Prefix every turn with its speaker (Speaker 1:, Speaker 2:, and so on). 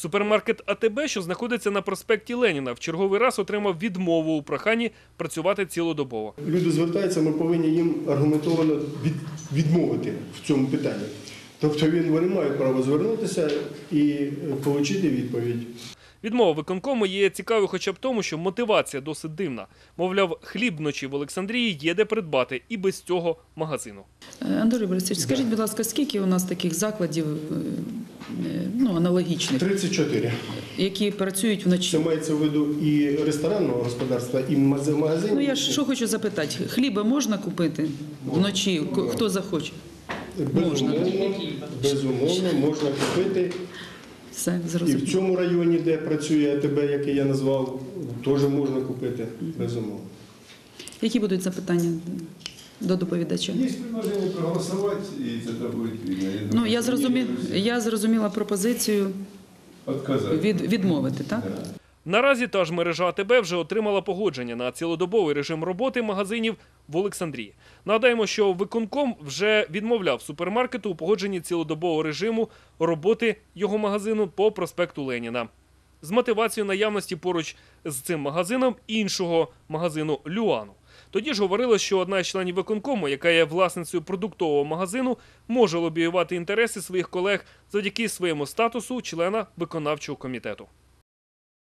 Speaker 1: Супермаркет АТБ, що знаходиться на проспекті Леніна, в черговий раз отримав відмову у проханні працювати цілодобово.
Speaker 2: Люди звертаються, ми повинні їм аргументовано відмовити в цьому питанні. Тобто вони мають право звернутися і отримати відповідь.
Speaker 1: Відмова виконкому є цікавою хоча б тому, що мотивація досить дивна. Мовляв, хліб вночі в Олександрії є де придбати і без цього магазину.
Speaker 3: Андрій Борисович, скажіть, будь ласка, скільки у нас таких закладів аналогічних,
Speaker 2: 34.
Speaker 3: які працюють вночі?
Speaker 2: Це мається в виду і ресторанного господарства, і магазинів.
Speaker 3: Я що хочу запитати, хліба можна купити вночі, хто захоче?
Speaker 2: Безумовно, можна купити.
Speaker 3: Все,
Speaker 2: І
Speaker 3: зрозуміло.
Speaker 2: в цьому районі, де працює АТБ, який я назвав, теж можна купити, безумовно.
Speaker 3: Які будуть запитання до доповідача?
Speaker 4: Є предложення проголосувати, і це буде видно.
Speaker 3: Я зрозуміла пропозицію відмовити, так?
Speaker 1: Наразі та ж мережа АТБ вже отримала погодження на цілодобовий режим роботи магазинів в Олександрії. Нагадаємо, що виконком вже відмовляв супермаркету у погодженні цілодобового режиму роботи його магазину по проспекту Леніна. З мотивацією наявності поруч з цим магазином іншого магазину «Люану». Тоді ж говорилось, що одна із членів виконкому, яка є власницею продуктового магазину, може лобіювати інтереси своїх колег завдяки своєму статусу члена виконавчого комітету.